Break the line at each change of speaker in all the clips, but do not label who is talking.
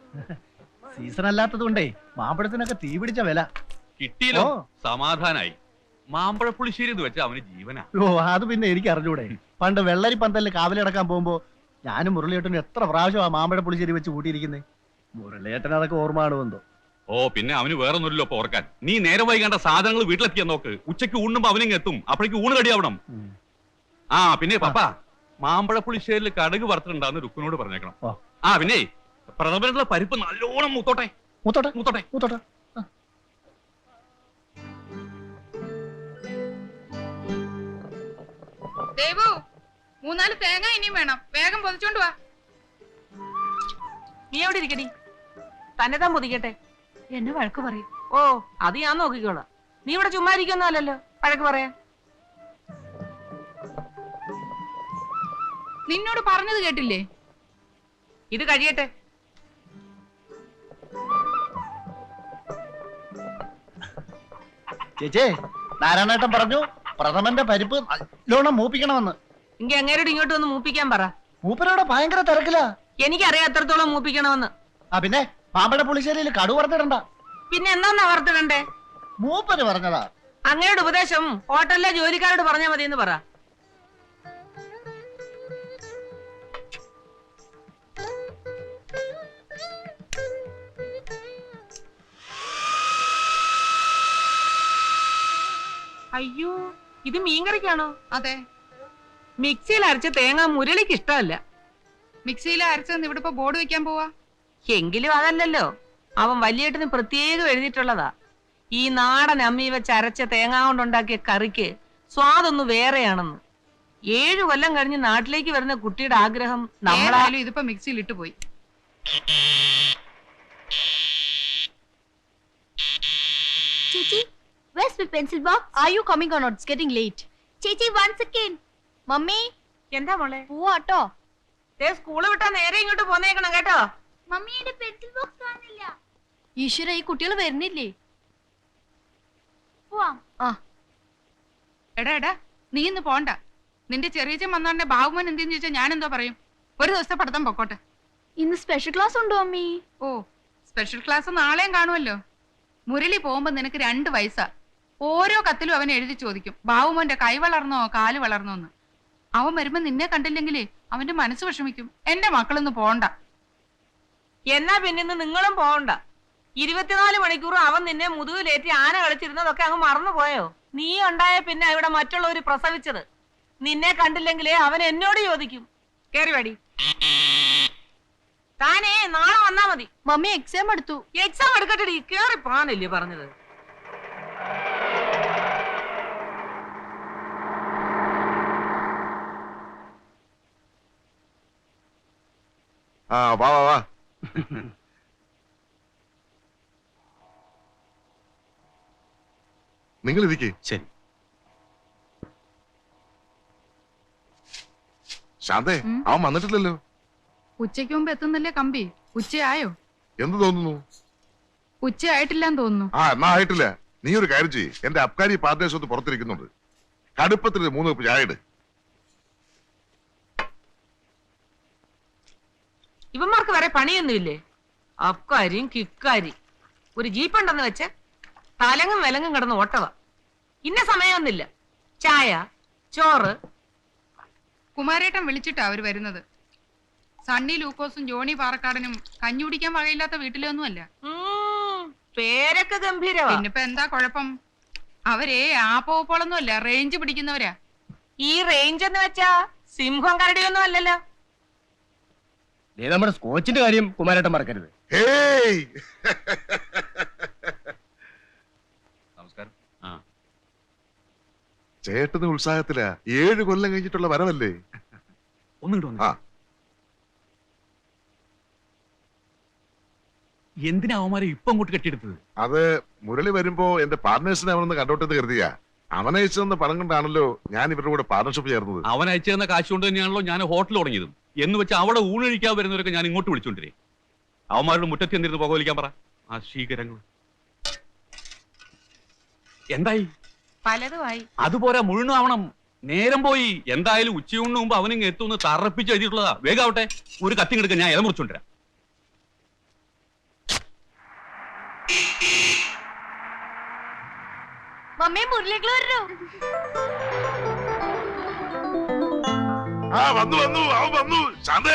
Season അല്ലാത്തത് കൊണ്ടേ മാമ്പഴത്തിനൊക്കെ തീ പിടിച്ച വില
കിട്ടിയല്ലോ. സമാധാനായി. മാമ്പഴ പുളിശ്ശേരി എന്ന് വെച്ചാൽ അവന് ജീവനാ.
ഓ അത് പിന്നെ എനിക്ക് അറിഞ്ഞൂടെ. പണ്ട് വെള്ളരി പന്തലിൽ കാവലടക്കാൻ പോകുമ്പോ ഞാനും മുരളിയേട്ടനും എത്ര പ്രാവശ്യം ആ മാമ്പഴ പുളിശ്ശേരി വെച്ച് കൂട്ടിയിരിക്കുന്നേ. മുരളിയേട്ടൻ അതൊക്കെ ഓർമ്മ എന്തോ.
ഓ പിന്നെ അവന് വേറൊന്നുമില്ലല്ലോ ഇപ്പൊ ഓർക്കാൻ. നീ നേരെ വൈകേണ്ട സാധനങ്ങൾ വീട്ടിലെത്തിയാൻ നോക്ക്. ഉച്ചയ്ക്ക് ഊണുമ്പോ അവനിങ് എത്തും. അപ്പോഴേക്ക് ഊണ് കടിയാവണം. ആ പിന്നെ പപ്പ മാമ്പഴ പുളിശ്ശേരിയിൽ കടുക് വറുത്തിട്ടുണ്ടാന്ന് രുക്കിനോട് പറഞ്ഞേക്കണം. ആ പിന്നെ പ്രഥമനുള്ള പരിപ്പ് നല്ലോണം മൂത്തോട്ടെ.
മൂത്തോട്ടെ
മൂത്തോട്ടെ
മൂത്തോട്ടെ.
ദേവു 3-4 തേങ്ങ ഇനിയും വേണം. വേഗം പൊതിച്ചോണ്ട് വാ.
നീ എവിടെ ഇരിക്കടി? തന്നെ താൻ പൊതിക്കട്ടെ.
എന്നെ വഴക്ക് പറയും.
ഓ അത് ഞാൻ നോക്കിക്കോളാം. നീ ഇവിടെ ചുമ്മാ ഇരിക്കൊന്നുമല്ലല്ലോ വഴക്ക് പറയാൻ.
നിന്നോട് പറഞ്ഞത് കേട്ടില്ലേ?
ഇത് കഴിയട്ടെ.
ചേച്ചേ നാരായണേട്ടൻ പറഞ്ഞു പ്രഥമന്റെ പരിപ്പ് നല്ലോണം മൂപ്പിക്കണമെന്ന്.
എങ്കിൽ അങ്ങേരോട് ഇങ്ങോട്ട് വന്ന് മൂപ്പിക്കാൻ പറ.
മൂപ്പരോടെ ഭയങ്കര തിരക്കിലാ.
എനിക്കറിയാം എത്രത്തോളം മൂപ്പിക്കണമെന്ന്.
ആ പിന്നെ മാമ്പഴ പുളിശ്ശേരിയിൽ കടു വറുത്തിടണ്ട.
പിന്നെ എന്നാ വറുത്തിടണ്ടേ?
മൂപ്പര് പറഞ്ഞതാ.
അങ്ങയുടെ ഉപദേശം ഹോട്ടലിലെ ജോലിക്കാരോട് പറഞ്ഞാൽ മതി എന്ന് പറ. അയ്യോ ഇത് മീൻകറിക്കാണോ?
അതെ.
മിക്സിയിൽ അരച്ച തേങ്ങ മുരളിക്ക് ഇഷ്ടമല്ല.
മിക്സിയിൽ അരച്ചെന്ന് ഇവിടെ ഇപ്പൊ ബോർഡ് വെക്കാൻ പോവാ.
എങ്കിലും അതല്ലല്ലോ, അവൻ വലിയേട്ടന് പ്രത്യേകം എഴുതിയിട്ടുള്ളതാ. ഈ നാടൻ അമ്മി വെച്ച് അരച്ച തേങ്ങ കൊണ്ടുണ്ടാക്കിയ കറിക്ക് സ്വാദൊന്നു വേറെയാണെന്ന്. 7 കൊല്ലം കഴിഞ്ഞ് നാട്ടിലേക്ക് വരുന്ന കുട്ടിയുടെ ആഗ്രഹം നമ്മളായാലും
ഇതിപ്പോ മിക്സിയിൽ ഇട്ടു പോയി.
Chichi, where's my pencil box? Are you coming or not? It's getting late. Chichi, 1 second. Mummy,
എന്താ മോളെ?
പോവാട്ടോ.
സ്കൂള് വിട്ടാ നേരെ ഇങ്ങോട്ട് പോന്നേക്കണം കേട്ടോ.
മമ്മിയുടെ പെൻസിൽ ബോക്സ് കാണില്ല. ഈശ്വര ഈ കുട്ടികൾ വരുന്നില്ലേ? പോവാം.
എടാ നീ ഇന്ന് പോണ്ട. നിന്റെ ചെറിയച്ചൻ വന്നോണ്ടെ ബാബുമോൻ എന്തെന്ന് ചോദിച്ചാൽ ഞാൻ എന്തോ പറയും? ഒരു ദിവസത്തെ പഠിത്തം പൊക്കോട്ടെ.
ഇന്ന് സ്പെഷ്യൽ ക്ലാസ് ഉണ്ടോ മമ്മി?
ഓ സ്പെഷ്യൽ ക്ലാസ് നാളെയും കാണുമല്ലോ. മുരളി പോകുമ്പോ നിനക്ക് 2 വയസ്സാ. ഓരോ കത്തിലും അവൻ എഴുതി ചോദിക്കും ബാബുമോന്റെ കൈ വളർന്നോ കാല് വളർന്നോന്ന്. അവൻ വരുമ്പോ നിന്നെ കണ്ടില്ലെങ്കിലേ അവന്റെ മനസ്സ് വിഷമിക്കും. എന്റെ മക്കളൊന്നും പോണ്ട.
എന്നാ പിന്നെ നിങ്ങളും പോകണ്ട. 24 മണിക്കൂറും അവൻ നിന്നെ മുതുകിലേറ്റി ആന കളിച്ചിരുന്നതൊക്കെ അങ്ങ് മറന്നുപോയോ? നീ ഉണ്ടായ പിന്നെ ഇവിടെ മറ്റുള്ളവര് പ്രസവിച്ചത്. നിന്നെ കണ്ടില്ലെങ്കിലേ അവൻ എന്നോട് ചോദിക്കും. കേറി വേടി. താനേ നാളെ വന്നാ മതി.
മമ്മി എക്സാം എടുത്തു.
എക്സാം എടുക്കട്ടെടി. കേറി പോകാനല്ലേ പറഞ്ഞത്?
വാ വാ വാ. നിങ്ങൾ ഇരിക്കേ.
ശരി.
ശാന്തേ അവൻ വന്നിട്ടില്ലല്ലോ.
ഉച്ചയ്ക്ക് മുമ്പ് എത്തുന്നില്ലേ കമ്പി? ഉച്ചയായോ?
എന്ത് തോന്നുന്നു?
ഉച്ചയായിട്ടില്ലെന്ന് തോന്നുന്നു.
എന്നാ ആയിട്ടില്ല. നീ ഒരു കാര്യം ചെയ്യ്. എന്റെ അബ്കാരി പാർട്ട്നേഴ്സ് പുറത്തിരിക്കുന്നുണ്ട്. കടുപ്പത്തിൽ 3 കപ്പ് ചായ ഇട്.
ഇവന്മാർക്ക് വരെ പണിയൊന്നുമില്ലേ? അബ്കാരിയും കിക്കാരി ഒരു ജീപ്പുണ്ടെന്ന് വെച്ച് തലങ്ങും വിലങ്ങും കിടന്ന് ഓട്ടവ. ഇന്ന സമയമൊന്നുമില്ല. ചായ ചോറ്.
കുമാരേട്ടൻ വിളിച്ചിട്ടാ അവര് വരുന്നത്. സണ്ണി ലൂക്കോസും ജോണി പാറക്കാടനും കഞ്ഞി കുടിക്കാൻ വകയില്ലാത്ത വീട്ടിലൊന്നുമല്ല.
പേരൊക്കെ ഗംഭീരവാ.
പിന്നിപ്പോ എന്താ കുഴപ്പം? അവരെ ആപ്പോളൊന്നുമല്ല, റേഞ്ച് പിടിക്കുന്നവരാ.
ഈ റേഞ്ച് എന്ന് വെച്ചാ സിംഹം കരടിയൊന്നും അല്ലല്ലോ.
നമ്മുടെ സ്കോച്ചിന്റെ കാര്യം കുമാരേട്ടൻ മറക്കരുത്.
നമസ്കാരം.
ചേട്ടന് ഉത്സാഹത്തിലാ. 7 കൊല്ലം കഴിഞ്ഞിട്ടുള്ള വരവല്ലേ.
എന്തിനാ അവന്മാരെ ഇപ്പൊ അങ്ങോട്ട് കെട്ടിയെടുത്തത്?
അത് മുരളി വരുമ്പോ എന്റെ പാർട്ട്നേഴ്സിനെ അവനൊന്ന് കണ്ടോട്ടെന്ന് കരുതിയാ. അവൻ അയച്ചു തന്ന പണം കൊണ്ടാണല്ലോ ഞാൻ ഇവരുടെ കൂടെ പാർട്ണർഷിപ്പ് ചേർന്നത്.
അവൻ അയച്ചു തന്ന കാശ് കൊണ്ട് തന്നെയാണല്ലോ ഞാൻ ഹോട്ടൽ തുടങ്ങിയതും. എന്ന് വെച്ചാൽ അവിടെ ഊണഴിക്കാൻ വരുന്നവരൊക്കെ ഞാൻ ഇങ്ങോട്ട് വിളിച്ചോണ്ടിരേ. അവന്മാരുടെ മുറ്റത്ത് എന്തിരുന്ന് പുകവലിക്കാൻ പറ. ആ ശീകരങ്ങൾ എന്തായി?
പലതുമായി.
അതുപോരാ, മുഴുവനാവണം. നേരം പോയി. എന്തായാലും ഉച്ചയൂണിന് മുമ്പ് അവനിങ് എത്തുമെന്ന് തറപ്പിച്ച് എഴുതിയിട്ടുള്ളതാ. വേഗാവട്ടെ. ഒരു കത്തിങ്ങെടുക്കാൻ ഞാൻ ഇല മുറിച്ചോണ്ടിരാം.
മമ്മി മുരളികൾ വരൂ.
ആ വന്നു വന്നു അവൻ വന്നു. ശാന്തേ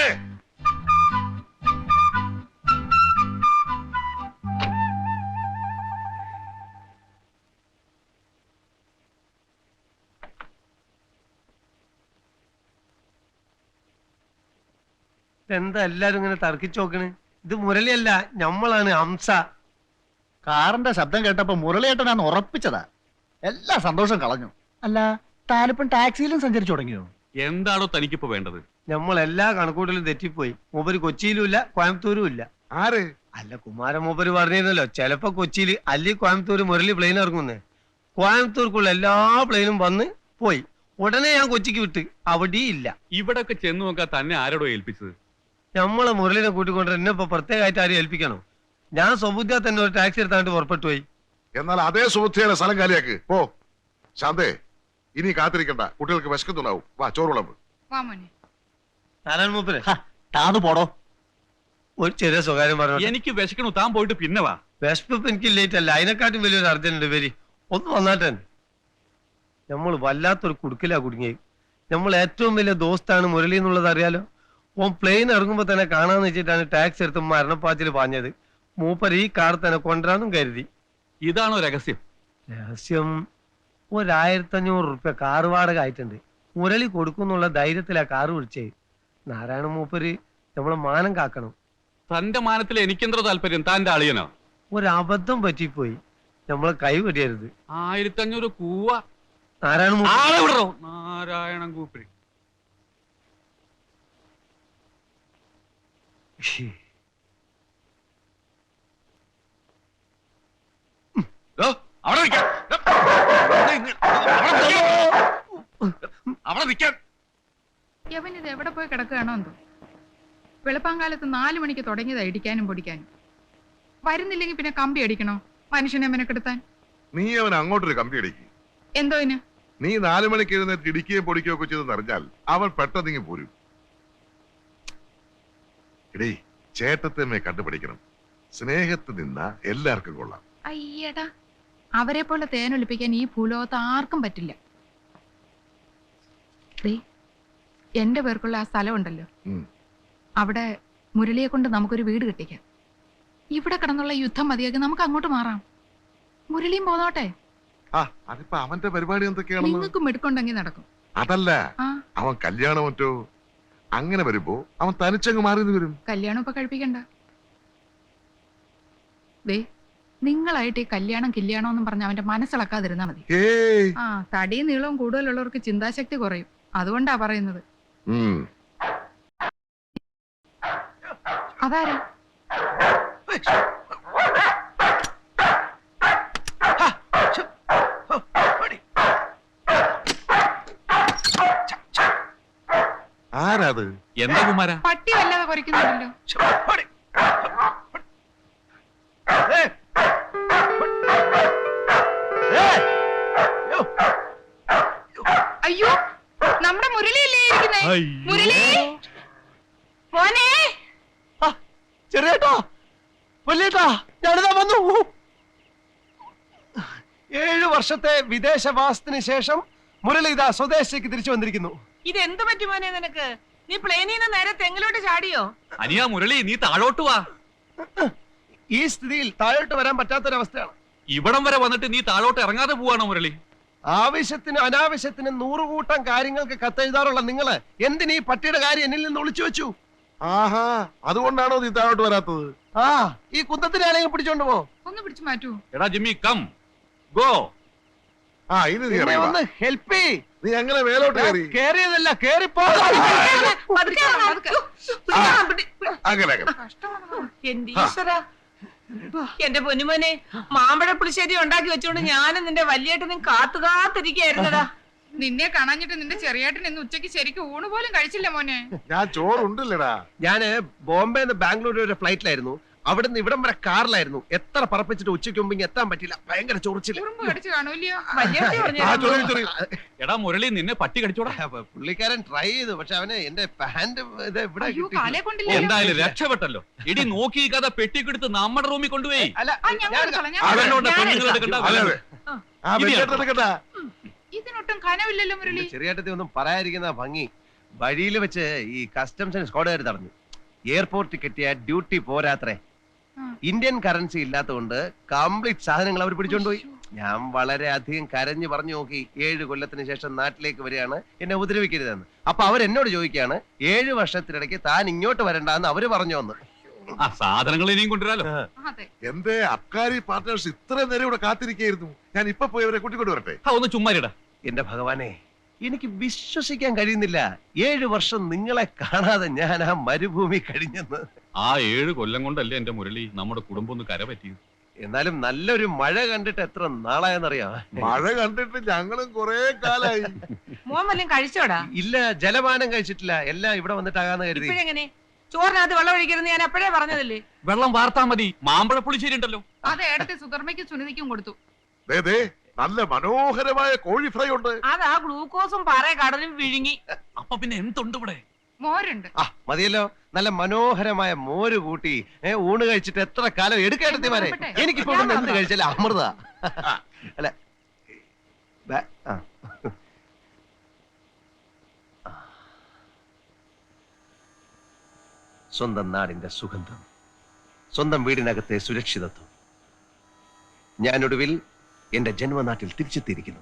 എന്താ എല്ലാരും ഇങ്ങനെ തർക്കിച്ചു നോക്കണ്? ഇത് മുരളിയല്ല, ഞമ്മളാണ് ഹംസ.
കാറിന്റെ ശബ്ദം കേട്ടപ്പോ മുരളിയേട്ടനാന്ന് ഉറപ്പിച്ചതാ. എല്ലാ സന്തോഷം കളഞ്ഞു. അല്ല, താനിപ്പം ടാക്സിയിലും സഞ്ചരിച്ചു തുടങ്ങിയോ?
എന്താണോ തനിക്കിപ്പോ വേണ്ടത്?
നമ്മൾ എല്ലാ കണക്കൂട്ടലും തെറ്റിപ്പോയി. മൂപ്പര് കൊച്ചിയിലും ഇല്ല, കോയമ്പത്തൂരും ഇല്ല.
ആര്?
അല്ല, കുമാരൻ മൂപ്പര് പറഞ്ഞിരുന്നല്ലോ ചിലപ്പോ കൊച്ചിയിൽ അല്ലെങ്കിൽ കോയമ്പത്തൂര് മുരളി പ്ലെയിൻ ഇറങ്ങുന്നേ. കോയമ്പത്തൂർക്കുള്ള എല്ലാ പ്ലെയിനും വന്ന് പോയി. ഉടനെ ഞാൻ കൊച്ചിക്ക് വിട്ട്, അവിടെ ഇല്ല.
ഇവിടൊക്കെ ചെന്ന് നോക്കാൻ തന്നെ ആരോടോ ഏൽപ്പിച്ചത്?
നമ്മളെ മുരളിനെ കൂട്ടിക്കൊണ്ട് എന്നെ ഇപ്പൊ പ്രത്യേകമായിട്ട് ആരും ഏൽപ്പിക്കണോ? ഞാൻ സ്വബുദ്ധിയാ തന്നെ ഒരു ടാക്സി എടുത്താണ്ട് പുറപ്പെട്ടു പോയി.
എന്നാൽ അതേ സുഹൃത്തിയുടെ സ്ഥലം കാലിയാക്ക് പോ. ശാന്തേ ഇനി കാത്തിരിക്കണ്ട, കുട്ടികൾക്ക് വിശക്കുന്നുണ്ടാവും. വാ ചോറ് വിളമ്പ്.
വാ മോനെ.
നാരായണ മൂപ്പര്
താന്ന് പോടോ.
ഒരു ചെറിയ സ്വകാര്യം പറഞ്ഞു.
എനിക്ക് വിശക്കണു, താൻ പോയിട്ട് പിന്നെ വാ.
വിശപ്പ് എനിക്ക് ലേറ്റ് അല്ല, അതിനെക്കാട്ടും വലിയൊരു അർജന്റ് വരി. ഒന്ന് വന്നാട്ടെ. നമ്മൾ വല്ലാത്തൊരു കുടുക്കിലാ കുടുങ്ങി. നമ്മൾ ഏറ്റവും വലിയ ദോസ്താണ് മുരളി എന്നുള്ളത് അറിയാലോ. ഓൻ പ്ലെയിൻ ഇറങ്ങുമ്പോ തന്നെ കാണാന്ന് വെച്ചിട്ടാണ് ടാക്സി എടുത്ത് മരണപ്പാച്ചിൽ പാഞ്ഞത്. മൂപ്പർ ഈ കാർ തന്നെ കൊണ്ടുവരാനും കരുതി.
ഇതാണോ രഹസ്യം?
രഹസ്യം 1500 റുപ്യ കാർ വാടക ആയിട്ടുണ്ട്. മുരളി കൊടുക്കുന്നുള്ള ധൈര്യത്തിലാ കാറ് വിളിച്ചേ. നാരായണ മൂപ്പര് നമ്മളെ മാനം കാക്കണം.
തന്റെ മാനത്തിൽ എനിക്കെന്തോ താല്പര്യം? താന്റെ അളിയനോ?
ഒരു അബദ്ധം പറ്റിപ്പോയി, നമ്മളെ കൈ വെടിയരുത്.
1500 കൂവ.
നാരായണ
ആളെ വിടറോ? നാരായണൻ കൂപ്പി. അവിടെ നിൽക്കാൻ. അവിടെ നിൽക്കാൻ.
യവനിത് എവിടെ പോയി കിടക്കുകയാണോ എന്തോ. വെളുപ്പാങ്കാലത്ത് 4 മണിക്ക് തുടങ്ങിയതാ ഇടിക്കാനും പൊടിക്കാനും. വരുന്നില്ലെങ്കിൽ പിന്നെ കമ്പി അടിക്കണോ മനുഷ്യനെ മെനക്കെടുത്താൻ?
നീ അവൻ അങ്ങോട്ടൊരു കമ്പി അടിക്കും.
എന്തോ ഇന്?
നീ 4 മണിക്ക് എഴുന്നേറ്റ് ഇടിക്കുകയും പൊടിക്കുകയും ഒക്കെ ചെയ്തെന്ന് അറിഞ്ഞാൽ അവൻ പെട്ടെന്നിങ്ങി പോരും. എടീ, ചേട്ടത്തമ്മയെ കണ്ടുപിടിക്കണം. സ്നേഹത്തിൽ നിന്ന എല്ലാവർക്കും കൊള്ളാം.
അയ്യടാ, അവരെ പോലെ തേനൊലിപ്പിക്കാൻ ഈ ഭൂലോകത്ത് ആർക്കും പറ്റില്ല. എന്റെ പേർക്കുള്ള ആ സ്ഥലം ഉണ്ടല്ലോ,
ഉം.
അവിടെ മുരളിയെ കൊണ്ട് നമുക്കൊരു വീട് കെട്ടിക്കാം. ഇവിടെ കിടന്നുള്ള യുദ്ധം മതിയാക്കി നമുക്ക് അങ്ങോട്ട് മാറാം. മുരളിയും പോന്നോട്ടെ.
ആ അതിപ്പോ അവന്റെ പരിപാടി എന്തൊക്കെയാണെന്ന്
നിങ്ങൾക്ക് മിടുക്കുണ്ടെങ്കിൽ നടക്കും.
അതല്ല,
ആ
അവൻ കല്യാണം മറ്റോ അങ്ങനെ വരുമ്പോ അവൻ തനിച്ചങ്ങ് മാറി വരും.
കല്യാണം ഇപ്പൊ കഴിപ്പിക്കണ്ട. ദേ, നിങ്ങളായിട്ട് ഈ കല്യാണം എന്നും പറഞ്ഞ് അവന്റെ മനസ്സിളക്കാതിരുന്നാ മതി.
ഏയ്
ആ തടിയും നീളവും കൂടുതലുള്ളവർക്ക് ചിന്താശക്തി കുറയും. അതുകൊണ്ടാ പറയുന്നത്. അതാരാ?
ആരാത്?
എന്താ കുമാര?
പട്ടി വല്ലാതെ കുറയ്ക്കുന്നുണ്ടല്ലോ. അയ്യോ, നമ്മുടെ മുരളിയല്ലേ ഇരിക്കുന്നേ? മുരളി മോനെ.
ചെറിയേട്ടാ, വലിയേട്ടാ, ഞാനിതാ വന്നു. 7 വർഷത്തെ വിദേശവാസത്തിന് ശേഷം മുരളി ഇതാ സ്വദേശത്തേക്ക് തിരിച്ചു വന്നിരിക്കുന്നു.
ഇത് എന്ത് പറ്റി മോനെ നിനക്ക്? നീ പ്ലെയിനിൽ നിന്ന് നേരെ തെങ്ങിലോട്ട് ചാടിയോ?
അനിയാ മുരളി, നീ താഴോട്ട് വാ.
ഈ സ്ഥിതിയിൽ താഴോട്ട് വരാൻ പറ്റാത്തൊരവസ്ഥയാണ്.
ഇവിടം വരെ വന്നിട്ട് നീ താഴോട്ട് ഇറങ്ങാതെ പോവാണോ മുരളി?
ആവശ്യത്തിന് അനാവശ്യത്തിന് 100 കൂട്ടം കാര്യങ്ങൾക്ക് കത്തെഴുതാറുള്ള നിങ്ങള് എന്തിനീ പട്ടിയുടെ കാര്യം എന്നിൽ നിന്ന് ഒളിച്ചു വെച്ചു?
ആഹാ, അതുകൊണ്ടാണോ നീ താഴോട്ട് വരാത്തത്?
ആ, ഈ കുന്തത്തിനെ ആരെങ്കിലും പിടിച്ചോണ്ട് പോ.
ഒന്ന് പിടിച്ചു മാറ്റൂ.
എടാ ജിമ്മി, കം ഗോ.
ആ ഇനി നീ
എന്നെ
ഇറങ്ങി വാ.
ഒന്ന് ഹെൽപ്പ് ചെയ്.
നീ അങ്ങനെ മേലോട്ട് കയറി.
കേറിയതല്ല, കേറിപ്പോ.
പതുക്കെ വാ, പതുക്കെ.
അങ്ങനെ അങ്ങനെ.
കഷ്ടമാണോ?
എന്റെ ഈശ്വരാ. എന്റെ പൊന്നുമോനെ, മാമ്പഴ പുളിശ്ശേരി ഉണ്ടാക്കി വെച്ചോണ്ട് ഞാനും നിന്റെ വലിയേട്ടനും കാത്തിരിക്കായിരുന്നടാ.
നിന്നെ കാണാഞ്ഞിട്ട് നിന്റെ ചെറിയേട്ടൻ ഇന്ന് ഉച്ചയ്ക്ക് ശരിക്കും ഊണ് പോലും കഴിച്ചില്ല മോനെ.
ഞാൻ ചോറുണ്ടല്ലടാ.
ഞാന് ബോംബെന്ന് ബാംഗ്ലൂർ വരെ ഫ്ലൈറ്റിലായിരുന്നു. അവിടുന്ന് ഇവിടം വരെ കാറിലായിരുന്നു. എത്ര പറപ്പിച്ചിട്ട് ഉച്ചയ്ക്ക് മുമ്പ് എത്താൻ പറ്റില്ല. ഭയങ്കര ചൊറിച്ചില്ല.
ഉറുമ്പ് കടിച്ചു കാണൂല്ലയോ?
വലിയേട്ടി
ആ
പറഞ്ഞു
ചൊറി ചൊറി.
എടാ മുരളി, നിന്നെ പട്ടി കടിച്ചോടാ.
പുള്ളിക്കാരൻ ട്രൈ ചെയ്തു, പക്ഷെ അവന് എന്റെ പാന്റ് ഇത് ഇവിടെ
അയ്യോ,
കിട്ടി.
കാലേ കൊണ്ടില്ല.
എന്തായാലും രക്ഷപ്പെട്ടല്ലോ. ഇടി നോക്കി കഥ പെട്ടിക്കെടുത്ത് നമ്മുടെ റൂമിൽ കൊണ്ടുപോയി.
അല്ല,
ആ, ഞാൻ
ഞാൻ-
എടുത്തോളാം, ഞാൻ
അവനോട്
എടുത്തോളാം.
പെണ്ണുങ്ങൾ എടുക്കണ്ട.
അതെ അതെ. ആ വെള്ളിയേട്ടൻ എടുക്കട്ടാ.
ഇതിനൊട്ടും കനവില്ലല്ലോ മുരളി.
ചെറിയേട്ടത്തി ഒന്നും പറയാതിരിക്കുന്ന ഭംഗി. വഴിയിൽ വെച്ച് ഈ കസ്റ്റംസ് സ്ക്വാഡുകാർ തടഞ്ഞു. എയർപോർട്ടിൽ കിട്ടിയ ഡ്യൂട്ടി പോരാത്രേ. ഇന്ത്യൻ കറൻസി ഇല്ലാത്തതുകൊണ്ട് കംപ്ലീറ്റ് സാധനങ്ങൾ അവർ പിടിച്ചോണ്ടുപോയി. ഞാൻ വളരെ അധികം കരഞ്ഞു പറഞ്ഞു നോക്കി. 7 കൊല്ലത്തിന് ശേഷം നാട്ടിലേക്ക് വരികയാണ്, എന്നെ ഉപദ്രവിക്കരുതെന്ന്. അപ്പൊ അവരെന്നോട് ചോദിക്കുകയാണ് 7 വർഷത്തിനിടയ്ക്ക് താൻ ഇങ്ങോട്ട് വരണ്ടെന്ന് അവര് പറഞ്ഞു വന്ന്.
ആ സാധനങ്ങൾ ഇനിയും കൊണ്ടുവരാലോ.
അതെ.
എന്റെ അബ്കാരി പാർട്ട്നേഴ്സ് ഇത്രയും നേരം ഇവിടെ കാത്തിരിക്കായിരുന്നു. ഞാൻ ഇപ്പൊ പോയി അവരെ കൂട്ടിക്കൊണ്ട് വരട്ടെ.
ഒന്ന് ചുമ്മാരിടാ.
എന്റെ ഭഗവാനെ, എനിക്ക് വിശ്വസിക്കാൻ കഴിയുന്നില്ല. 7 വർഷം നിങ്ങളെ കാണാതെ ഞാൻ ആ മരുഭൂമി കഴിഞ്ഞെന്ന്.
ആ 7 കൊല്ലം കൊണ്ടല്ലേ എന്റെ മുരളി നമ്മുടെ കുടുംബം ഒന്ന് കര പറ്റിയത്.
എന്നാലും നല്ലൊരു മഴ കണ്ടിട്ട് എത്ര നാളായെന്നറിയാം.
മഴ കണ്ടിട്ട് ഞങ്ങളും കൊറേ കാലായി.
മോൻ വല്ലതും കഴിച്ചോടാ?
ഇല്ല, ജലപാനം കഴിച്ചിട്ടില്ല. എല്ലാം ഇവിടെ വന്നിട്ടാകാന്ന് കരുതി.
ഇപ്പഴെങ്ങനെ? ചോറിനകത്ത് വെള്ളം ഒഴിക്കരുന്ന് ഞാൻ എപ്പോഴേ പറഞ്ഞതല്ലേ.
വെള്ളം വാർത്താ മതി. മാമ്പഴ പുളിശ്ശേരി ഉണ്ടല്ലോ.
അത് ഏടത്തെ സുധർമ്മയ്ക്കും സുനിധിക്കും കൊടുത്തു.
ദേ, ദേ, നല്ല മനോഹരമായ കോഴി ഫ്രൈ ഉണ്ട്.
അതാ ഗ്ലൂക്കോസും പാറ കടലും വിഴുങ്ങി.
അപ്പൊ പിന്നെ എന്തുണ്ട് ഇവിടെ?
മോരുണ്ട്.
ആ മതിയല്ലോ, നല്ല മനോഹരമായ മോര് കൂട്ടി ഊണ് കഴിച്ചിട്ട് എത്ര കാലം എടുക്കേണ്ടതിമാരെ. എനിക്കിപ്പോ ഇവിടുന്ന് എന്ത് കഴിച്ചാലും അമൃത. അല്ല ആ. സ്വന്തം നാടിന്റെ സുഗന്ധം, സ്വന്തം വീടിനകത്തെ സുരക്ഷിതത്വം. ഞാനൊടുവിൽ എന്റെ ജന്മനാട്ടിൽ തിരിച്ചെത്തിയിരിക്കുന്നു.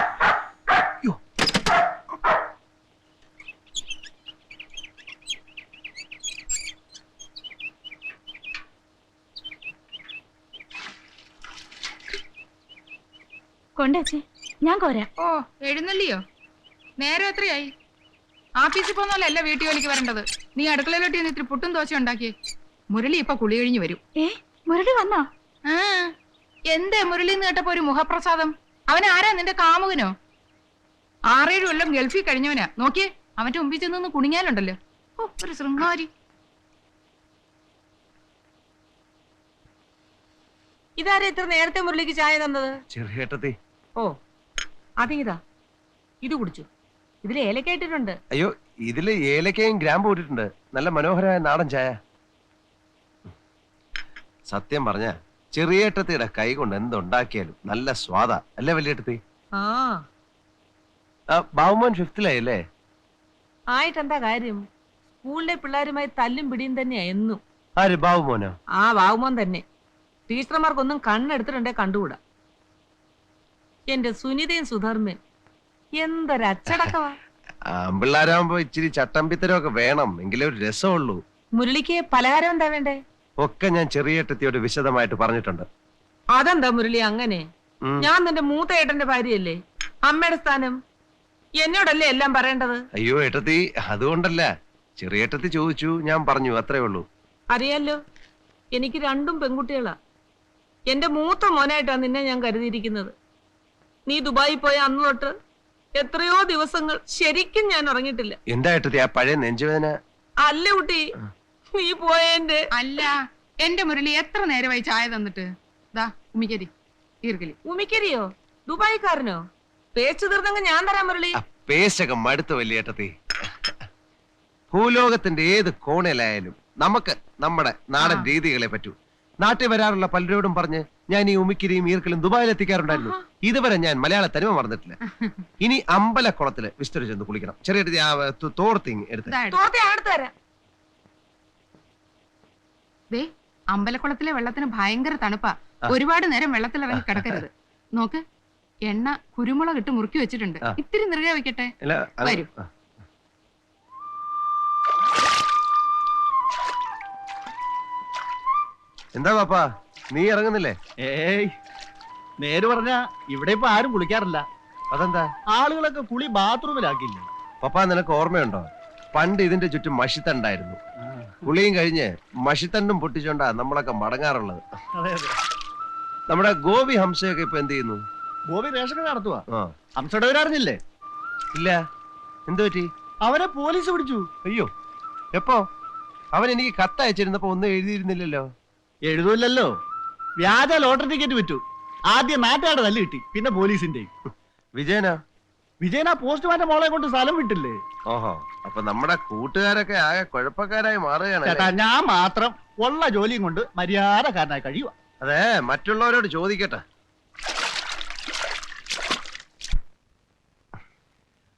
കൊണ്ടേച്ചേ, ഞാൻ കോരാം.
ഓ, എഴുന്നള്ളിയോ? നേരം എത്രയായി? ആഫീസിൽ പോകുന്നല്ല വീട്ടു ജോലിക്ക് വരേണ്ടത്. നീ അടുക്കളയിലോട്ട് ഇത്തിരി പുട്ടും ദോശ ഉണ്ടാക്കിയേ. മുരളി ഇപ്പൊ കുളി കഴിഞ്ഞു വരും.
മുരളി വന്നോ?
ആ, എന്തേ മുരളി എന്ന് കേട്ടപ്പോ ഒരു മുഖപ്രസാദം? അവനാരാ, നിന്റെ കാമുകനോ? 6-7 കൊല്ലം ഗൾഫിൽ കഴിഞ്ഞവനാ. നോക്കിയേ, അവന്റെ മുമ്പിൽ ചെന്ന് കുണിങ്ങാലുണ്ടല്ലോ. ഓ, ഒരു ശൃംഗാരി.
ഇതാരാ ഇത്ര നേരത്തെ മുരളിക്ക് ചായ തന്നത്?
ചെറിയേട്ടത്തി.
ഓ, അതിതാ, ഇത് കുടിച്ചു. ഇതിൽ ഏലക്ക ഇട്ടിട്ടുണ്ട്.
അയ്യോ, ഇതില് ഏലക്കയും ഗ്രാമ്പും ഇട്ടിട്ടുണ്ട്. നല്ല മനോഹരമായ നാടൻ ചായ. സത്യം പറഞ്ഞ ചെറിയേട്ടത്തിയുടെ കൈ കൊണ്ട് എന്തുണ്ടാക്കിയാലും നല്ല സ്വാദാ അല്ലേ വലിയേട്ടത്തി?
ആ,
ബാബുമോൻ 5th-ലായല്ലേ?
ആയിട്ടെന്താ കാര്യം? സ്കൂളിലെ പിള്ളേരുമായി തല്ലും പിടിയും തന്നെയാ എന്നും.
ആര്, ബാബുമോനോ?
ആ, ബാബുമോൻ തന്നെ. ടീച്ചർമാർക്കൊന്നും കണ്ണെടുത്തിട്ടുണ്ടേ കണ്ടുകൂടാ. എന്റെ സുനിതയും സുധർമ്മയും എന്തൊരച്ചടക്കവാ.
ആമ്പിള്ളാരാകുമ്പോ ഇച്ചിരി ചട്ടമ്പിത്തരമൊക്കെ വേണം, എങ്കിലേ ഒരു രസമുള്ളൂ.
മുരളിക്ക് പലഹാരം എന്താ വേണ്ടേ?
ഒക്കെ ഞാൻ ചെറിയേട്ടത്തിയോട് വിശദമായിട്ട് പറഞ്ഞിട്ടുണ്ട്.
അതെന്താ മുരളി അങ്ങനെ?
ഉം.
ഞാൻ നിന്റെ മൂത്ത ഏട്ടന്റെ ഭാര്യയല്ലേ? അമ്മയുടെ സ്ഥാനം എന്നോടല്ലേ എല്ലാം പറയേണ്ടത്?
അയ്യോ ഏട്ടത്തി, അതുകൊണ്ടല്ല. ചെറിയേട്ടത്തി ചോദിച്ചു, ഞാൻ പറഞ്ഞു, അത്രേ ഉള്ളൂ.
അറിയാലോ, എനിക്ക് 2 പെൺകുട്ടികളാ. എന്റെ മൂത്ത മോനായിട്ടാ നിന്നെ ഞാൻ കരുതിയിരിക്കുന്നത്. നീ ദുബായി പോയ അന്ന് തൊട്ട് എത്രയോ ദിവസങ്ങൾ ശരിക്കും ഞാൻ ഉറങ്ങിയിട്ടില്ല.
എന്താ ഏട്ടത്തി ആ പഴയ നെഞ്ചുവേദന?
അല്ല കുട്ടി, നീ പോയെന്റെ.
അല്ല, എന്റെ മുരളി എത്ര നേരമായി ചായ തന്നിട്ട്? ദാ ഉമിക്കരി, ഈർക്കലി.
ഉമിക്കരിയോ? ദുബായിക്കാരനോ? പേച്ചു തീർന്നെങ്കിൽ ഞാൻ തരാം മുരളി.
പേശകം മടുത്ത വലിയേട്ടത്തി. ഭൂലോകത്തിന്റെ ഏത് കോണിലായാലും നമുക്ക് നമ്മുടെ നാടൻ രീതികളെ പറ്റൂ. നാട്ടിൽ വരാറുള്ള പലരോടും പറഞ്ഞ് ഞാൻ ഈ ഉമിക്കിരിയും ഈർക്കലും ദുബായിൽ എത്തിക്കാറുണ്ടായിരുന്നു. ഇതുവരെ ഞാൻ മലയാള തനിമ മറന്നിട്ടില്ല. ഇനി അമ്പലക്കുളത്തില് വിസ്തരിച്ച് ചെന്ന് കുളിക്കണം. ചെറിയ തോർത്തിങ് എടുത്ത്.
തോർത്തി അടുത്ത് തരാം.
ദേ, അമ്പലക്കുളത്തിലെ വെള്ളത്തിന് ഭയങ്കര തണുപ്പാ. ഒരുപാട് നേരം വെള്ളത്തിൽ അവൻ കിടക്കരുത്. നോക്ക്, എണ്ണ കുരുമുളക് ഇട്ട് മുറുക്കി വെച്ചിട്ടുണ്ട്. ഇത്തിരി നിറയെ വെക്കട്ടെ. വരൂ.
എന്താ പാപ്പാ, നീ ഇറങ്ങുന്നില്ലേ?
ഏയ്, നേര് പറഞ്ഞ ഇവിടെ ഇപ്പൊ ആരും കുളിക്കാറില്ല.
അതെന്താ?
ആളുകളൊക്കെ കുളി ബാത്റൂമിലാക്കില്ലേ.
പപ്പാ, നിനക്ക് ഓർമ്മയുണ്ടോ? പണ്ട് ഇതിന്റെ ചുറ്റും മഷിത്തണ്ടായിരുന്നു. കുളിയും കഴിഞ്ഞ് മഷിത്തണ്ടും പൊട്ടിച്ചോണ്ടാ നമ്മളൊക്കെ മടങ്ങാറുള്ളത്. നമ്മുടെ ഗോപി ഹംസയൊക്കെ ഇപ്പൊ എന്ത് ചെയ്യുന്നു?
ഗോപി റേഷൻ കട നടത്തുവാ.
ആ,
ഹംസയുടെ അറിഞ്ഞില്ലേ?
ഇല്ല. എന്തു പറ്റി?
അവനെ പോലീസ് പിടിച്ചു.
അയ്യോ, എപ്പോ? അവൻ എനിക്ക് കത്തയച്ചിരുന്നപ്പോ ഒന്നും എഴുതിയിരുന്നില്ലല്ലോ.
എഴുതൂല്ലല്ലോ. വ്യാജ ലോട്ടറി ടിക്കറ്റ് വിറ്റു. ആദ്യം നാട്ടുകാരുടെ തല്ല് കിട്ടി, പിന്നെ പോലീസിന്റെ.
വിജയനാ?
വിജയനാ പോസ്റ്റ്മാന്റെ മോളെ കൊണ്ട് സ്ഥലം വിട്ടില്ലേ.
ഓഹോ, അപ്പൊ നമ്മുടെ കൂട്ടുകാരൊക്കെ ആകെ കുഴപ്പക്കാരായി മാറുകയാണ്.
ചേട്ടാ, ഞാൻ മാത്രം ഉള്ള ജോലിയും കൊണ്ട് മര്യാദക്കാരനായി കഴിയുക.
അതെ, മറ്റുള്ളവരോട് ചോദിക്കട്ടെ.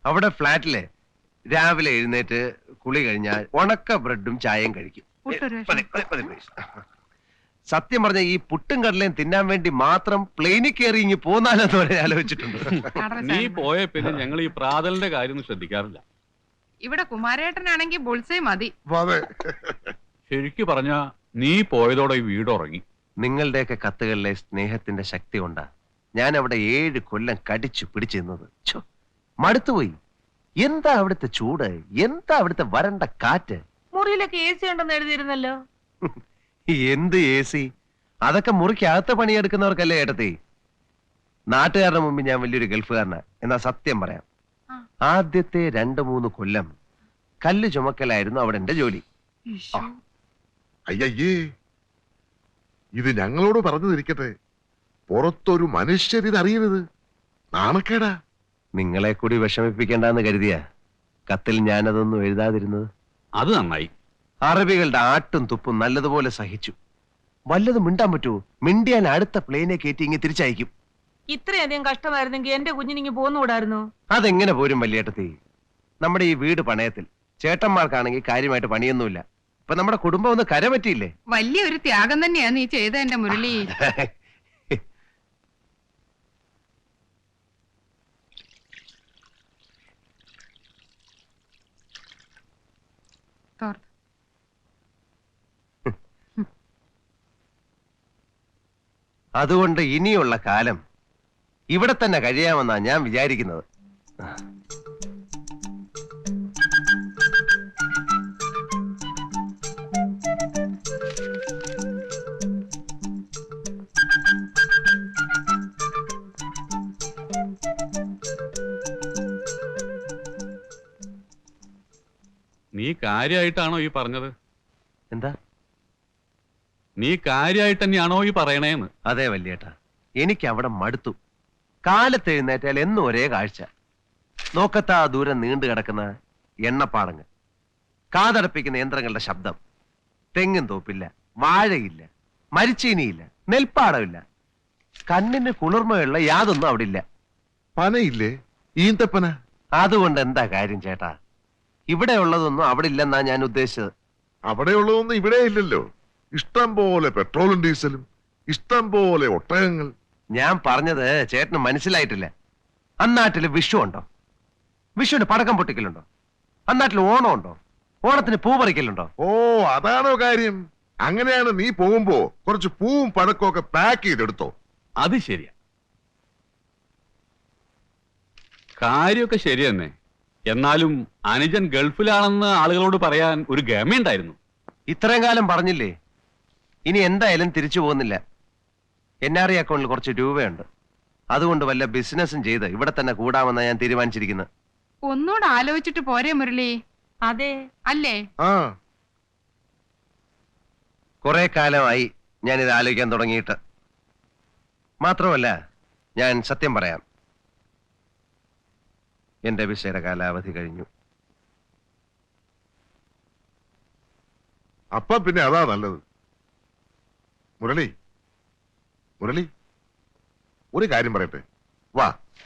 അവിടെ ഫ്ലാറ്റിലെ രാവിലെ എഴുന്നേറ്റ് കുളി കഴിഞ്ഞാൽ ഉണക്ക ബ്രെഡും ചായയും കഴിക്കും.
പുട്ടൊരു
മതി, മതി, മതി, please. സത്യം പറഞ്ഞ ഈ പുട്ടും കടലയും തിന്നാൻ വേണ്ടി മാത്രം പ്ലെയിനിൽ കയറി ഇങ്ങി പോന്നാലെന്ന് വരെ ആലോചിച്ചിട്ടുണ്ട്.
നീ പോയ പിന്നെ ഞങ്ങൾ ഈ പ്രാതലിന്റെ കാര്യം ഒന്നും ശ്രദ്ധിക്കാറില്ല.
ഇവിടെ കുമാരേട്ടനാണെങ്കിൽ ബുൾസേ മതി.
അതെ.
ശരിക്കു പറഞ്ഞ നീ പോയതോടെ ഈ വീട് ഉറങ്ങി.
നിങ്ങളുടെയൊക്കെ കത്തുകളിലെ സ്നേഹത്തിന്റെ ശക്തി കൊണ്ടാ ഞാൻ അവിടെ 7 കൊല്ലം കടിച്ചു പിടിച്ചിരുന്നത്. മടുത്തുപോയി. എന്താ അവിടുത്തെ ചൂട്, എന്താ അവിടുത്തെ വരണ്ട കാറ്റ്.
മുറിയിലൊക്കെ AC ഉണ്ടെന്ന് എഴുതിയിരുന്നല്ലോ.
എന്ത് AC? അതൊക്കെ മുറിക്കകത്ത് പണിയെടുക്കുന്നവർക്കല്ലേ ഏട്ടത്തി. നാട്ടുകാരുടെ മുമ്പ് ഞാൻ വലിയൊരു ഗൾഫുകാരനാ. എന്നാ സത്യം പറയാം, ആദ്യത്തെ 2-3 കൊല്ലം കല്ല് ചുമക്കലായിരുന്നു അവിടെ എന്റെ ജോലി.
അയ്യയ്യേ, ഇത് ഞങ്ങളോട് പറഞ്ഞു തിരിക്കട്ടെ. പുറത്തൊരു മനുഷ്യരിത് അറിയരുത്. നാണക്കേടാ.
നിങ്ങളെ കൂടി വിഷമിപ്പിക്കേണ്ടെന്ന് കരുതിയ കത്തിൽ ഞാനതൊന്നും എഴുതാതിരുന്നത്.
അത് നന്നായി.
അറബികളുടെ ആട്ടും തുപ്പും നല്ലതുപോലെ സഹിച്ചു. വല്ലതും മിണ്ടാൻ പറ്റുമോ? മിണ്ടിയാൻ അടുത്ത പ്ലെയിനെ കയറ്റി ഇങ്ങ് തിരിച്ചയക്കും.
ഇത്രയധികം കഷ്ടമായിരുന്നെങ്കിൽ എന്റെ കുഞ്ഞിനിങ്ങി പോന്നുകൂടായിരുന്നു.
അതെങ്ങനെ പോരും വല്യേട്ടത്തി? നമ്മുടെ ഈ വീട് പണയത്തിൽ. ചേട്ടന്മാർക്കാണെങ്കിൽ കാര്യമായിട്ട് പണിയൊന്നുമില്ല. ഇപ്പൊ നമ്മുടെ കുടുംബം ഒന്ന് കരപറ്റിയില്ലേ?
വലിയൊരു ത്യാഗം തന്നെയാ നീ ചെയ്ത എന്റെ മുരളി. തോർത്ത്.
അതുകൊണ്ട് ഇനിയുള്ള കാലം ഇവിടെ തന്നെ കഴിയാമെന്നാ ഞാൻ വിചാരിക്കുന്നത്.
നീ കാര്യമായിട്ടാണോ ഈ പറഞ്ഞത്?
എന്താ?
നീ കാര്യമായിട്ട് തന്നെയാണോ ഈ പറയണേന്ന്?
അതെ വല്യേട്ടാ, എനിക്ക് അവിടെ മടുത്തു. കാലത്ത് എഴുന്നേറ്റാൽ എന്നും ഒരേ കാഴ്ച. നോക്കത്താ ദൂരം നീണ്ടു കിടക്കുന്ന എണ്ണപ്പാടങ്ങൾ, കാതടപ്പിക്കുന്ന യന്ത്രങ്ങളുടെ ശബ്ദം. തെങ്ങും തോപ്പില്ല, വാഴയില്ല, മരിച്ചീനിയില്ല, നെൽപ്പാടമില്ല. കണ്ണിന് കുളിർമയുള്ള യാതൊന്നും അവിടെ ഇല്ല.
പനയില്ലേ? ഈന്തപ്പന.
അതുകൊണ്ട് എന്താ കാര്യം ചേട്ടാ? ഇവിടെ ഉള്ളതൊന്നും അവിടെ ഇല്ലെന്നാ ഞാൻ ഉദ്ദേശിച്ചത്.
അവിടെയുള്ളതൊന്നും ഇവിടെ ഇല്ലല്ലോ. ഇഷ്ടം പോലെ പെട്രോളും ഡീസലും, ഇഷ്ടം പോലെ ഒട്ടകങ്ങൾ.
ഞാൻ പറഞ്ഞത് ചേട്ടന് മനസ്സിലായിട്ടില്ല. അന്നാട്ടില് വിഷു ഉണ്ടോ? വിഷുവിന് പടക്കം പൊട്ടിക്കലുണ്ടോ? അന്നാട്ടിൽ ഓണം ഉണ്ടോ? ഓണത്തിന് പൂ പറിക്കലുണ്ടോ?
ഓ, അതാണോ കാര്യം? അങ്ങനെയാണ് നീ പോകുമ്പോ കുറച്ച് പൂവും പഴക്കവും ഒക്കെ പാക്ക് ചെയ്തെടുത്തോ.
അത് ശരിയാ, കാര്യമൊക്കെ ശരി തന്നെ. എന്നാലും അനുജൻ ഗൾഫിലാണെന്ന് ആളുകളോട് പറയാൻ ഒരു ഗമയുണ്ടായിരുന്നു.
ഇത്രയും കാലം പറഞ്ഞില്ലേ? ഇനി എന്തായാലും തിരിച്ചു പോകുന്നില്ല. NRI അക്കൗണ്ടിൽ കുറച്ച് രൂപയുണ്ട്. അതുകൊണ്ട് വല്ല ബിസിനസ്സും ചെയ്ത് ഇവിടെ തന്നെ കൂടാമെന്നാ ഞാൻ തീരുമാനിച്ചിരിക്കുന്നത്.
ഒന്നുകൂടെ ആലോചിച്ചിട്ട് പോരെ മുരളി?
അതെ,
അല്ലേ?
ആ,
കുറെ കാലമായി ഞാനിത് ആലോചിക്കാൻ തുടങ്ങിയിട്ട്. മാത്രമല്ല, ഞാൻ സത്യം പറയാം, എന്റെ വിസയുടെ കാലാവധി കഴിഞ്ഞു.
അപ്പൊ പിന്നെ അതാ നല്ലത്. മുരളി, മുരളി, ഒരു കാര്യം പറയട്ടെ, വാ.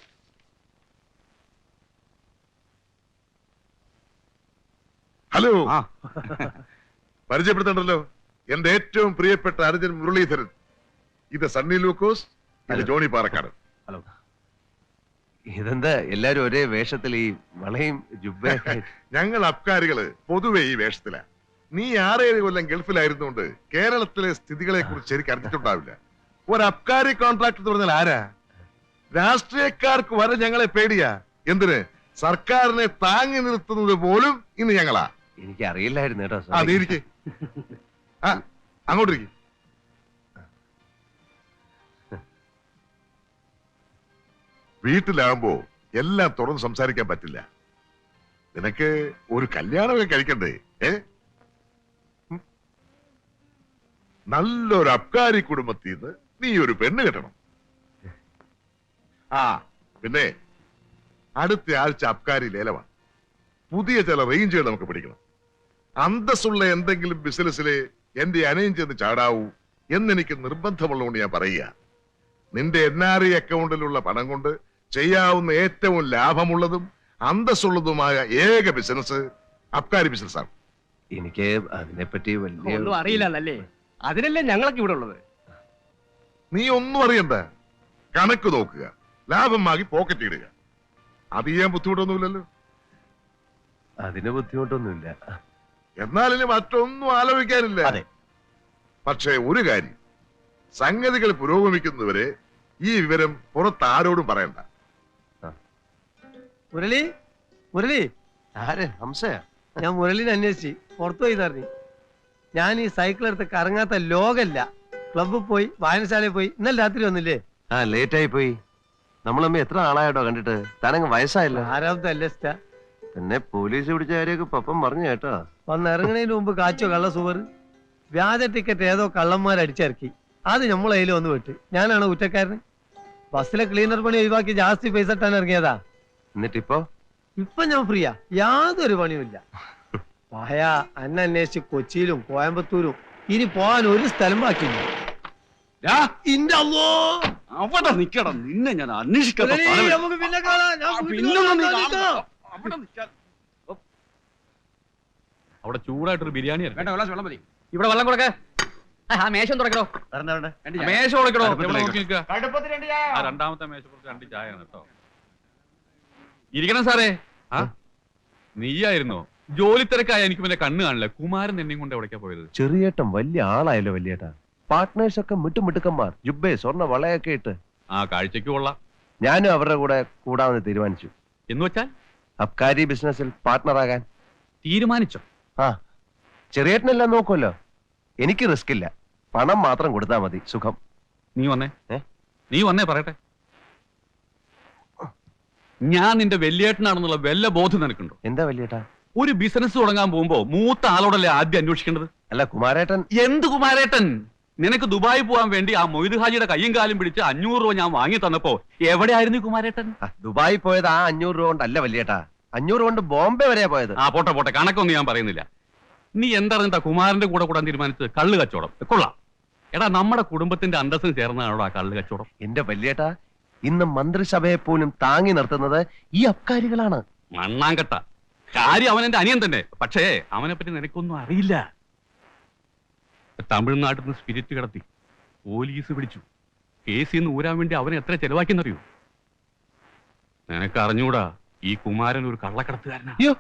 ഹലോ, പരിചയപ്പെടുത്തണ്ടല്ലോ. എന്റെ ഏറ്റവും പ്രിയപ്പെട്ട അനുജൻ മുരളീധരൻ. ഇത് സണ്ണി ലൂക്കോസ്, ഇത് ജോണി പാറക്കാട്.
ഹലോ. ഇതെന്താ എല്ലാരും ഒരേ വേഷത്തിൽ, ഈ വളയും ജുബ്ബയൊക്കെ?
ഞങ്ങൾ അബ്കാരികള് പൊതുവെ ഈ വേഷത്തിലാ. നീ 6-7 കൊല്ലം ഗൾഫിലായിരുന്നുകൊണ്ട് കേരളത്തിലെ സ്ഥിതികളെ കുറിച്ച് ശരിക്കും അറിഞ്ഞിട്ടുണ്ടാവില്ല. ഒരു അബ്കാരി കോൺട്രാക്ട് എന്ന് പറഞ്ഞാൽ ആരാ? രാഷ്ട്രീയക്കാർക്ക് വരെ ഞങ്ങളെ പേടിയാ. എന്തിന്? സർക്കാരിനെ താങ്ങി നിർത്തുന്നത് പോലും ഇന്ന് ഞങ്ങളാ.
എനിക്ക് അറിയില്ലായിരുന്നു കേട്ടോ.
ആ, നീ ഇരിക്ക്. ആ, അങ്ങോട്ടിരിക്കും. വീട്ടിലാകുമ്പോ എല്ലാം തുറന്ന് സംസാരിക്കാൻ പറ്റില്ല. നിനക്ക് ഒരു കല്യാണമൊക്കെ കഴിക്കണ്ടേ? നല്ലൊരു അബ്കാരി കുടുംബത്തിൽ നിന്ന് നീ ഒരു പെണ്ണ് കെട്ടണം. ആ, പിന്നെ അടുത്ത ആഴ്ച അബ്കാരി ലേലമാണ്. പുതിയ ചില റേഞ്ചുകൾ നമുക്ക് പിടിക്കണം. അന്തസ്സുള്ള എന്തെങ്കിലും ബിസിനസ്സിലെ എന്റെ അനയം ചെന്ന് ചാടാവൂ എന്നെനിക്ക് നിർബന്ധമുള്ളതുകൊണ്ട് ഞാൻ പറയുക. നിന്റെ NRI അക്കൗണ്ടിലുള്ള പണം കൊണ്ട് ചെയ്യാവുന്ന ഏറ്റവും ലാഭമുള്ളതും അന്തസ്സുള്ളതുമായ ഏക ബിസിനസ് അബ്കാരി ബിസിനസ്സാണ്.
എനിക്ക് അതിനെപ്പറ്റി വലിയ
ഒന്നും അറിയില്ലല്ലേ, അതിനല്ലേ ഞങ്ങളൊക്കെ ഇവിടെ ഉള്ളത്.
നീ ഒന്നും അറിയണ്ട, കണക്ക് നോക്കുക, ലാഭം വാങ്ങി പോക്കറ്റ് ഇടുക. അത് ചെയ്യാൻ ബുദ്ധിമുട്ടൊന്നുമില്ലല്ലോ.
അതിന് ബുദ്ധിമുട്ടൊന്നുമില്ല.
എന്നാലിനി മറ്റൊന്നും ആലോചിക്കാനില്ല.
അതെ.
പക്ഷേ ഒരു കാര്യം, സംഗതികൾ പുരോഗമിക്കുന്നവരെ ഈ വിവരം പുറത്ത് ആരോടും പറയണ്ട.
മുരളി, മുരളി,
ആര്? ഹംസയാ?
ഞാൻ മുരളിനെ അന്വേഷിച്ച് പുറത്തു പോയി തറഞ്ഞു. ഞാൻ ഈ സൈക്കിൾ എടുത്ത് കറങ്ങാത്ത ലോകല്ല. ക്ലബ്ബിൽ പോയി, വായനശാലയിൽ പോയി. ഇന്നലെ രാത്രി വന്നില്ലേ?
ലേറ്റ് ആയി പോയി. നമ്മളമ്മ എത്ര ആളായിട്ടോ കണ്ടിട്ട്. താനങ്ങ് വയസ്സായില്ല.
ആരാമത്തെ അല്ലസ്റ്റ
പിന്നെ പോലീസ് പിടിച്ച കാര്യമൊക്കെ പപ്പം പറഞ്ഞു കേട്ടോ.
വന്ന് ഇറങ്ങണതിന് മുമ്പ് കാച്ചോ കള്ള സുവർ. വ്യാജ ടിക്കറ്റ് ഏതോ കള്ളന്മാർ അടിച്ചിറക്കി. അത് നമ്മളെ കയ്യിൽ വന്ന് വിട്ട്. ഞാനാണ് കുറ്റക്കാരന്. ബസ്സിലെ ക്ലീനർ പണി ഒഴിവാക്കി ജാസ്തി പൈസ ഇട്ടാൻ ഇറങ്ങിയതാ.
എന്നിട്ടിപ്പോ
ഇപ്പൊ ഞാൻ ഫ്രീയാ, യാതൊരു പണിയുമില്ല. പായ അന്വേഷിച്ച് കൊച്ചിയിലും കോയമ്പത്തൂരും ഇനി പോകാൻ ഒരു സ്ഥലം ബാക്കിയില്ല. ഇന്റെ അല്ലോ,
അവിടെ നിക്കണം, നിന്നെ ഞാൻ അന്വേഷിക്കാത്ത സ്ഥലമില്ല.
നമുക്ക് പിന്നെ കാണാം. ഞാൻ വീട്ടിൽ
പിന്നൊന്നും നീ
വന്നിട്ട്
കാണണ്ട. അവിടെ ചൂടായിട്ടൊരു ബിരിയാണി
വെള്ളം മതി.
ഇവിടെ വെള്ളം കൊടുക്ക. ആ മേശം തുറക്കണോ?
മേശ കൊടുക്കണോ?
അടുപ്പത്തിലേക്ക്.
നോക്കി നിൽക്കുക. ആ രണ്ടാമത്തെ മേശപ്പുറത്ത് 2 ചായയാണ് കേട്ടോ. ഇരിക്കണം സാറേ. ആ നീയായിരുന്നോ? ജോലി തിരക്കായ എനിക്ക് പിന്നെ കണ്ണ് കാണില്ല. കുമാരൻ എന്നെയും കൊണ്ട് എവിടേക്കാ പോയത്?
ചെറിയേട്ടൻ വലിയ ആളായല്ലോ വലിയേട്ടാ. പാർട്ട്നേഴ്സ് ഒക്കെ മിട്ടുമിട്ടുക്കന്മാർ, ജുബേ സ്വർണ്ണ വളയൊക്കെ ഇട്ട്.
ആ കാഴ്ചക്ക് കൊള്ളാം.
ഞാനും അവരുടെ കൂടെ കൂടാമെന്ന് തീരുമാനിച്ചു.
എന്ന് വെച്ചാൽ
അബ്കാരി ബിസിനസ്സിൽ പാർട്ട്ണറാകാൻ
തീരുമാനിച്ചോ?
ആ, ചെറിയേട്ടനെല്ലാം നോക്കുമല്ലോ. എനിക്ക് റിസ്ക് ഇല്ല, പണം മാത്രം കൊടുത്താൽ മതി. സുഖം.
നീ വന്നേ.
ഏ?
നീ വന്നേ പറയട്ടെ. ഞാൻ നിന്റെ വലിയേട്ടനാണെന്നുള്ള വല്ല ബോധം നിനക്കുണ്ടോ?
എന്താ വലിയേട്ടാ?
ഒരു ബിസിനസ് തുടങ്ങാൻ പോകുമ്പോ മൂത്ത ആളോടല്ലേ ആദ്യം അന്വേഷിക്കേണ്ടത്?
അല്ല കുമാരേട്ടൻ.
എന്ത് കുമാരേട്ടൻ? നിനക്ക് ദുബായി പോകാൻ വേണ്ടി ആ മൊയ്ത് ഹാജിയുടെ കയ്യും കാലും പിടിച്ച് 500 രൂപ ഞാൻ വാങ്ങി തന്നപ്പോ എവിടെയായിരുന്നു ഈ കുമാരേട്ടൻ?
ദുബായി പോയത് ആ 500 രൂപ കൊണ്ടല്ല വലിയേട്ടാ. 500 കൊണ്ട് ബോംബെ വരെയാ പോയത്.
ആ പോട്ടെ പോട്ടെ, കണക്കൊന്നും ഞാൻ പറയുന്നില്ല. നീ എന്താ കുമാരന്റെ കൂടെ കൂടാൻ തീരുമാനിച്ചത്? കള്ള് കച്ചവടം. കൊള്ളാം. എടാ, നമ്മുടെ കുടുംബത്തിന്റെ അന്തസ്സിന് ചേർന്നതാണോ ആ കള്ള് കച്ചവടം?
എന്റെ വലിയേട്ടാ, ഇന്ന് മന്ത്രിസഭയെ പോലും താങ്ങി നിർത്തുന്നത് ഈ അബ്കാരികളാണ്.
മണ്ണാങ്കട്ട കാര്യം. അവൻ എന്റെ അനിയൻ തന്നെ. പക്ഷേ അവനെ പറ്റി നിനക്കൊന്നും അറിയില്ല. തമിഴ്നാട്ടിൽ നിന്ന് സ്പിരിറ്റ് കടത്തി പോലീസ് പിടിച്ചു. കേസിൽ നിന്ന് ഊരാൻ വേണ്ടി അവനെ എത്ര ചെലവാക്കിയെന്നറിയൂ? നിനക്ക് അറിഞ്ഞൂടാ, ഈ കുമാരൻ ഒരു കള്ളക്കടത്തുകാരനാ.
അയ്യോ,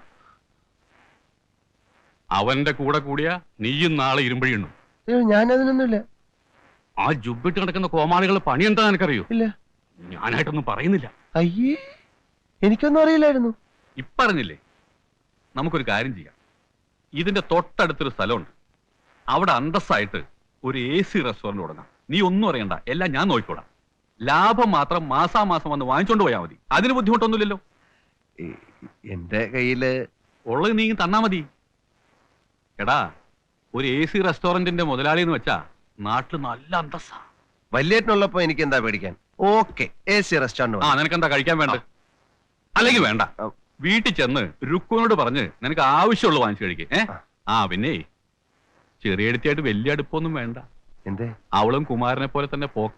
അവന്റെ കൂടെ കൂടിയ നീയും നാളെ ഇരുമ്പഴിയുന്നു.
ഞാനതിനൊന്നുമില്ല.
ആ ജുബിട്ട് കിടക്കുന്ന കോമാളികളുടെ പണി എന്താ നിനക്കറിയോ?
ഇല്ല.
ഞാനായിട്ടൊന്നും പറയുന്നില്ല.
അയ്യേ, എനിക്കൊന്നും അറിയില്ലായിരുന്നു.
ഇപ്പറഞ്ഞില്ലേ, നമുക്കൊരു കാര്യം ചെയ്യാം. ഇതിന്റെ തൊട്ടടുത്തൊരു സ്ഥലമുണ്ട്. അവിടെ അന്തസ്സായിട്ട് ഒരു AC റെസ്റ്റോറന്റ് തുടങ്ങാം. നീ ഒന്നും അറിയണ്ട, എല്ലാം ഞാൻ നോക്കിക്കോടാം. ലാഭം മാത്രം മാസാമാസം വന്ന് വാങ്ങിച്ചോണ്ട് പോയാൽ മതി. അതിന് ബുദ്ധിമുട്ടൊന്നുമില്ലല്ലോ.
എന്റെ കയ്യില്
ഉള്ളത് നീ തന്നാ മതി. എടാ, ഒരു AC റെസ്റ്റോറന്റിന്റെ മുതലാളി എന്ന് വെച്ചാ നാട്ടില് നല്ല അന്തസ്സാ.
വലിയേട്ടനുള്ളപ്പോ എനിക്ക് എന്താ പേടിക്കാൻ? Okay, AC restaurant.
ആ, നിനക്കെന്താ കഴിക്കാൻ വേണ്ട? അല്ലെങ്കിൽ വേണ്ട, വീട്ടിൽ ചെന്ന് രുക്കുവിനോട് പറഞ്ഞ് നിനക്ക് ആവശ്യമുള്ള വാങ്ങിച്ചു കഴിക്കേ. ആ പിന്നെ ചെറിയ അടുത്തായിട്ട് വലിയ അടുപ്പൊന്നും വേണ്ട.
എന്തേ?
അവളും കുമാരനെ പോലെ തന്നെ പോക്ക.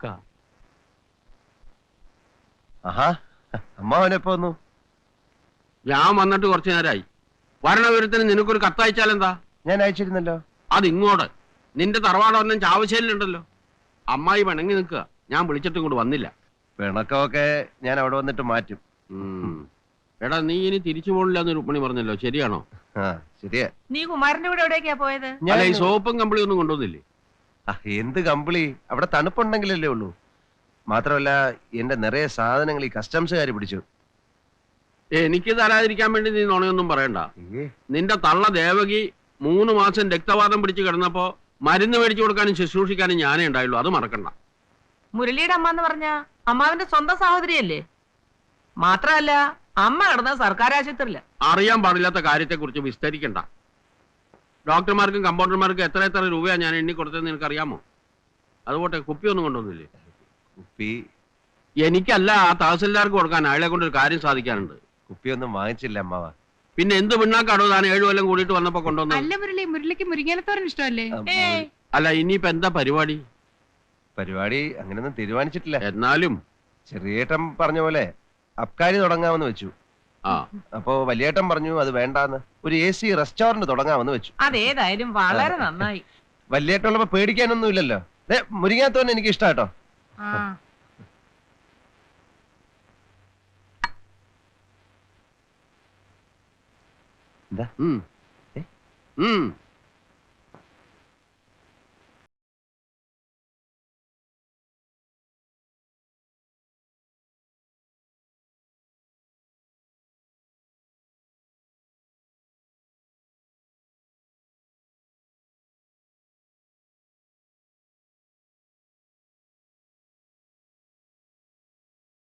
ആഹാ, അമ്മാവനെപ്പോ വന്നു?
ഞാൻ വന്നിട്ട് കുറച്ചു നേരമായി. വരണവിവരത്തിന് നിനക്കൊരു കത്തയച്ചാലെന്താ?
ഞാൻ അയച്ചിരുന്നല്ലോ.
അതിങ്ങോട്ട് നിന്റെ തറവാടൊന്നും ചാവശ്ശേരിലുണ്ടല്ലോ. അമ്മായി പിണങ്ങി നിൽക്കുക. ഞാൻ വിളിച്ചിട്ടും കൂടെ വന്നില്ല.
പിണക്കമൊക്കെ ഞാൻ അവിടെ വന്നിട്ട് മാറ്റും.
എടാ, നീ ഇനി തിരിച്ചു പോണില്ല എന്ന് രുക്മിണി പറഞ്ഞല്ലോ, ശരിയാണോ?
ആ, ശരിയാ.
നീ കുമാരന്റെ കൂടെ എവിടേക്കാ പോയത്?
അല്ല, ഈ സോപ്പും കമ്പിളി ഒന്നും കൊണ്ടുവന്നില്ലേ?
എന്ത് കമ്പിളി? അവിടെ തണുപ്പുണ്ടെങ്കിലല്ലേ ഉള്ളൂ. മാത്രമല്ല എന്റെ നിറയെ സാധനങ്ങൾ ഈ കസ്റ്റംസുകാർ പിടിച്ചു.
എനിക്ക് തരാതിരിക്കാൻ വേണ്ടി നീ നുണയൊന്നും പറയണ്ട. നിന്റെ തള്ള ദേവകി 3 മാസം രക്തവാദം പിടിച്ച് കിടന്നപ്പോ മരുന്ന് മേടിച്ചു കൊടുക്കാനും ശുശ്രൂഷിക്കാനും ഞാനേ ഉണ്ടായുള്ളൂ. അത് മറക്കണ്ട.
മുരളിയുടെ അമ്മ എന്ന് പറഞ്ഞ അമ്മാവിന്റെ സ്വന്തം സഹോദരിയല്ലേ? മാത്രമല്ല, അമ്മ കിടന്ന സർക്കാർ ആശുപത്രിയില്ല.
അറിയാൻ പാടില്ലാത്ത കാര്യത്തെക്കുറിച്ച് വിസ്തരിക്കണ്ട. ഡോക്ടർമാർക്കും കമ്പൗണ്ടർമാർക്കും എത്ര രൂപയാണ് ഞാൻ എണ്ണി കൊടുത്തതെന്ന് നിനക്കറിയാമോ? അതുപോട്ടെ, കുപ്പിയൊന്നും കൊണ്ടുവന്നില്ലേ?
കുപ്പി
എനിക്കല്ല, ആ തഹസിൽദാർക്ക് കൊടുക്കാൻ. അയാളെ കൊണ്ട് ഒരു കാര്യം സാധിക്കാനുണ്ട്.
കുപ്പിയൊന്നും വാങ്ങിച്ചില്ല അമ്മാവ.
പിന്നെ എന്ത് പിണ്ണാക്കാടോ താൻ 7 കൊല്ലം കൂടിയിട്ട് വന്നപ്പോ കൊണ്ടുവന്നത്?
അല്ല മുരളിക്ക് മുരിങ്ങാനത്തോരൻ ഇഷ്ടമല്ലേ?
അല്ല, ഇനിയിപ്പോ എന്താ പരിപാടി?
പരിപാടി അങ്ങനെയൊന്നും തീരുമാനിച്ചിട്ടില്ല.
എന്നാലും
ചെറിയേട്ടൻ പറഞ്ഞ പോലെ അബ്കാരി തുടങ്ങാമെന്ന് വെച്ചു.
ആ
അപ്പോ വലിയേട്ടൻ പറഞ്ഞു അത് വേണ്ടാന്ന്, ഒരു AC റെസ്റ്റോറന്റ് തുടങ്ങാമെന്ന് വെച്ചു.
അതേതായാലും വളരെ നന്നായി.
വലിയേട്ടുള്ളപ്പോ പേടിക്കാനൊന്നും ഇല്ലല്ലോ. മുരിങ്ങാത്തോന്നെ എനിക്ക് ഇഷ്ടാട്ടോ.
ആ
എന്താ?
ഉം. ഉം.